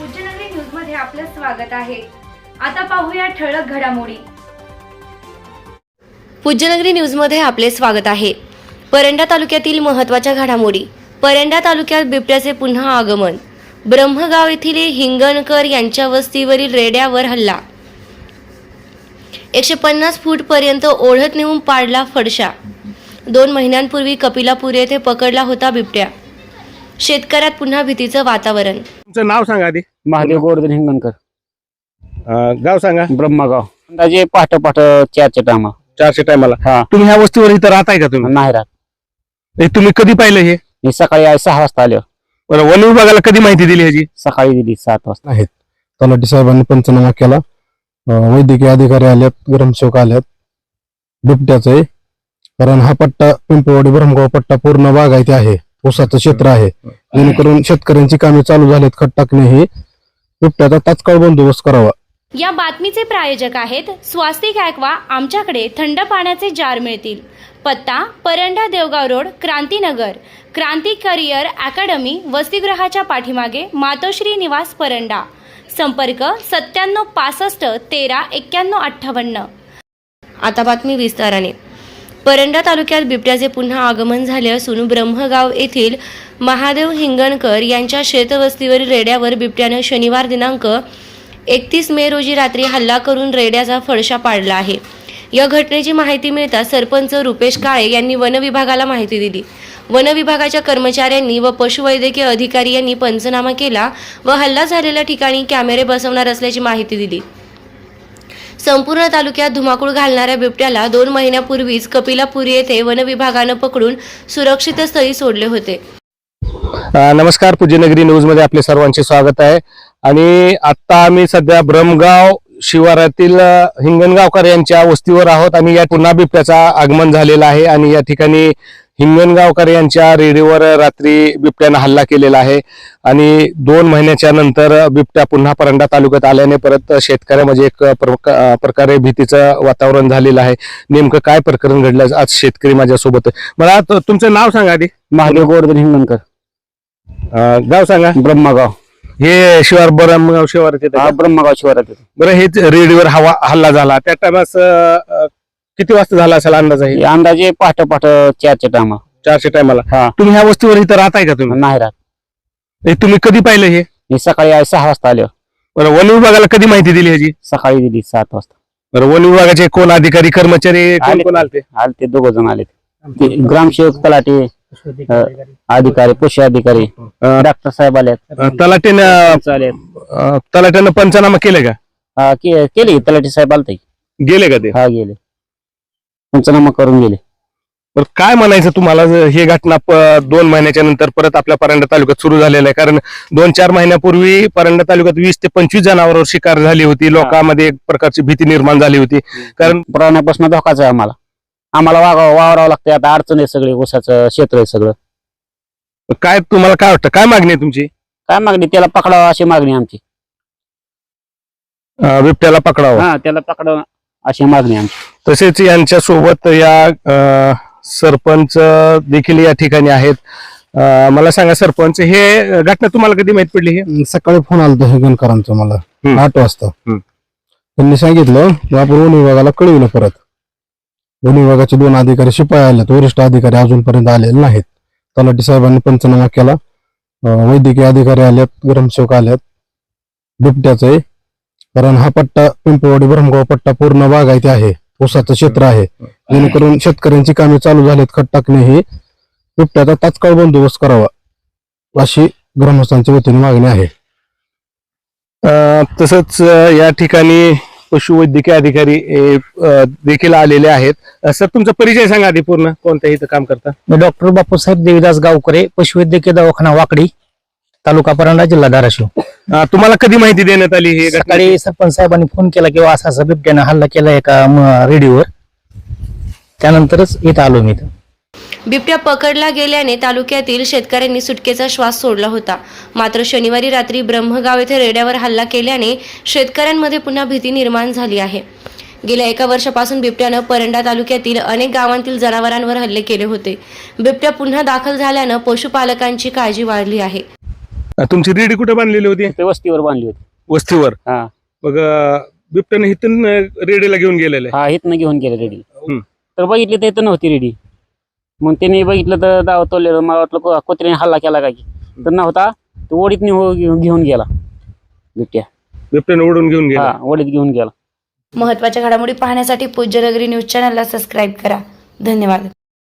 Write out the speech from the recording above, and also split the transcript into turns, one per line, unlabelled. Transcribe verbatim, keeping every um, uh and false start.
Pujyanagari news मध्ये आपलं स्वागत आहे। आता पाहूया ठळक घडामोडी।
पूज्यनगरी न्यूज मध्ये आपले स्वागत आहे। परंडा तालुक्यातील महत्त्वाच्या घडामोडी। परंडा तालुक्यात बिबट्याचे पुन्हा आगमन। ब्रह्मगाव येथील हिंगणकर यांच्या वस्तीवरील रेड्यावर हल्ला। एकशे पन्नास फूट पर्यंत ओढत नेऊन पाडला फडशा। दोन महिन्यांपूर्वी कपिलापूर येथे पकडला होता बिबट्या। शेतकऱ्यात पुन्हा भीतीचं वातावरण।
तुमचं नाव सांगा आधी।
महादेव गोवर्धन हिंगणकर,
अं, गाव सांगा।
ब्रह्मगाव। अंदाजे पहाटे पहाटे चारच्या टायमा
चारशे टायमाला
हा
तुम्ही ह्या वस्तीवर इथं राहताय का तुम्ही?
नाही राहत।
हे तुम्ही कधी पाहिलं हे?
मी सकाळी आज सहा वाजता आलो।
बरं, वन विभागाला कधी माहिती दिली ह्याची?
सकाळी दिली सात वाजता।
आहेत तलाठी साहेबांनी पंचनामा केला, अं, वैद्यकीय अधिकारी आलेत, ग्रामसेवक आलेत। बिबट्याचं आहे कारण हा पट्टा पिंपळवाडी ब्रह्मगाव पट्टा पूर्ण बागायती आहे, ऊसाचं क्षेत्र आहे, जेणेकरून शेतकऱ्यांची कामे चालू झालीत। खत टाकणे ही बिबट्याचा तात्काळ बंदोबस्त करावा।
या बातमीचे प्रायोजक आहेत स्वास्तिक ॲक्वा। आमच्याकडे थंड पाण्याचे जार मिळतील। पत्ता Paranda Devgaon road, Krantinagar. Kranti career academy वसतिगृहाच्या पाठीमागे, मातोश्री निवास परंडा। संपर्क सत्त्याण्णव पासष्ट तेरा एक्क्याण्णव अठ्ठावन्न। आता बातमी विस्ताराने। परंडा तालुक्यात बिबट्याचे पुन्हा आगमन झाले असून ब्रह्मगाव येथील महादेव हिंगणकर यांच्या शेतवस्तीवरील रेड्यावर बिबट्याने शनिवार दिनांक एकतीस मे रोजी रात्री हल्ला करून रेड्याचा फडशा पाडला आहे। या घटनेची माहिती मिळताच सरपंच रुपेश काळे यांनी वन विभागाला माहिती दिली। वन विभागाच्या कर्मचाऱ्यांनी व पशुवैद्यकीय अधिकारी यांनी पंचनामा केला व हल्ला झालेल्या ठिकाणी कॅमेरे बसवणार असल्याची माहिती दिली। संपूर्ण तालुक्यात धुमाकूळ घालणाऱ्या बिबट्याला दोन महिन्यापूर्वीच कपिलापूर येथे वन विभागानं पकडून सुरक्षित स्थळी सोडले होते।
अं, नमस्कार, पूज्यनगरी न्यूज मध्ये आपले सर्वांचे स्वागत आहे। आणि आता आम्ही सध्या ब्रह्मगाव शिवारातील अं, हिंगणगावकर यांच्या वस्तीवर आहोत आणि या पुन्हा बिबट्याचा आगमन झालेला आहे आणि या ठिकाणी हिंगणगावकर यांच्या रेडीवर रात्री बिबट्यानं हल्ला केलेला आहे आणि दोन महिन्याच्या नंतर बिबट्या पुन्हा परंडा तालुक्यात आल्याने परत शेतकऱ्यामध्ये एक प्रकारे भीतीचं वातावरण झालेलं आहे। नेमकं काय प्रकरण घडलं आज शेतकरी माझ्यासोबत आहे। मला त- तुमचं नाव सांगा आधी।
महादेव गोवर्धन हिंगणकर,
अं, गाव सांगा।
ब्रह्मगाव।
हे शिवार ब्रह्मगाव शिवार येते
हा
का?
ब्रह्मगाव शिवारात।
बरं, हेच रेडीवर हवा हल्ला झाला त्या टायमास किती वाजता झाला असेल अंदाज आहे?
हे अंदाजे पहाटे पहाटे चारच्या टायमा
चारशे टायमाला
हा
तुम्ही ह्या वस्तीवर इथं राहताय का तुम्ही?
नाही राहत।
हे तुम्ही कधी पाहिलं हे?
मी सकाळी आज सहा वाजता आलो।
बरं, वन विभागाला कधी माहिती दिली ह्याची?
सकाळी दिली सात वाजता।
बरं, वन विभागाचे कोण अधिकारी कर्मचारी कोण
आले.
कोण आलते?
आले ते दोघ जण आले, ते ग्रामसेवक, तलाठी, अ, अधिकारी, पशु अधिकारी,
अं,
डॉक्टर साहेब आले,
अं, तलाट्यानं
आले।
अं, तलाट्यानं पंचनामा केले का?
हा के- केली, तलाठी साहेब आलते।
गेले का ते?
हा गेले, पंचनामा करून गेले।
बरं, काय म्हणायचं तुम्हाला जर हे घटना प- दोन महिन्याच्या नंतर परत आपल्या परंडा तालुक्यात सुरू झालेलं आहे? कारण दोन चार महिन्यापूर्वी परंडा तालुक्यात वीस ते पंचवीस जनावरांवर शिकार झाली होती, लोकांमध्ये एक प्रकारची भीती निर्माण झाली होती। कारण
प्राण्यापासून धोकाच आहे आम्हाला आम्हाला वागावं वावरावं लागतं। आता अडचण आहे सगळी, ऊसाचं क्षेत्र आहे सगळं।
काय तुम्हाला काय वाटतं, काय मागणी आहे तुमची?
काय मागणी? त्याला पकडावं अशी मागणी आमची।
अं, बिबट्याला पकडावं
हा, त्याला पकडावं अशी मागणी आमची।
तसेच यांच्या सोबत या अं, सरपंच देखील या ठिकाणी आहेत। अं, मला सांगा सरपंच, हे घटना तुम्हाला कधी माहित पडली? हे
सकाळी फोन आला होता हिंगणकरांचा मला
हम्म.
आठ वाजता।
हम्म.
त्यांनी सांगितलं की आपण वन विभागाला कळविलं। परत वन विभागाचे दोन अधिकारी शिपाई आलेत, वरिष्ठ अधिकारी अजूनपर्यंत आलेले नाहीत। तलाठी साहेबांनी पंचनामा केला, अं, वैद्यकीय अधिकारी आलेत, ग्रामसेवक आलेत। बिबट्याचं आहे कारण हा पट्टा पिंपळवाडी ब्रह्मगाव पट्टा पूर्ण बागायती आहे, ऊसाचं क्षेत्र आहे, जेणेकरून शेतकऱ्यांची कामे चालू झालीत। खत टाकणे ही बिबट्याचा तात्काळ बंदोबस्त करावा अशी ग्रामस्थांच्या वतीने मागणी आहे।
अं, तसंच अं, या ठिकाणी पशुवैद्यकीय अधिकारी अं, देखील आलेले आहेत। अं, सर, तुमचा परिचय सांगा आधी पूर्ण, कोणत्या इथं काम करता?
मी डॉक्टर बापूसाहेब देवीदास गावकरे, पशुवैद्यकीय दवाखाना वाकडी, तालुका परंडा, जिल्हा धाराशिव।
अं, तुम्हाला कधी माहिती देण्यात आली ही घटना?
सकाळी सरपंच साहेबांनी फोन केला किंवा असा असा बिबट्यानं हल्ला केला एका म- रेडिओवर, त्यानंतरच इथं आलो मी इथं।
बिबट्या पकडला गेल्याने तालुक्यातील शेतकऱ्यांनी सुटकेचा श्वास सोडला होता। मात्र शनिवारी रात्री ब्रह्मगाव येथे रेड्यावर हल्ला केल्याने शेतकऱ्यांमध्ये पुन्हा भीती निर्माण झाली आहे। गेल्या एका वर्षापासून बिबट्यानं परंडा तालुक्यातील अनेक गावांतील जनावरांवर हल्ले केले होते। बिबट्या पुन्हा दाखल झाल्यानं पशुपालकांची काळजी वाढली आहे।
अं, तुमची रेडी कुठे बांधलेली होती?
ते वस्तीवर बांधली होती.
वस्तीवर.
हा
मग अं, बिबट्याने इथून अं, रेडीला घेऊन गेलेले.
हा इथनं घेऊन गेले रेडी.
हम्म.
तर बघितली तर इथं नव्हती रेडी. मग त्यांनी बघितलं तर दाव तोडलेलं. मला वाटलं को- कुत्र्याने हल्ला केला काय की, तर नव्हता. तो ओढीत घेऊन गेला बिबट्या.
बिबट्याने ओढून घेऊन गेला.
हा ओढीत घेऊन गेला.
महत्त्वाच्या घडामोडी पाहण्यासाठी पूज्यनगरी न्यूज चॅनलला सबस्क्राईब करा. धन्यवाद.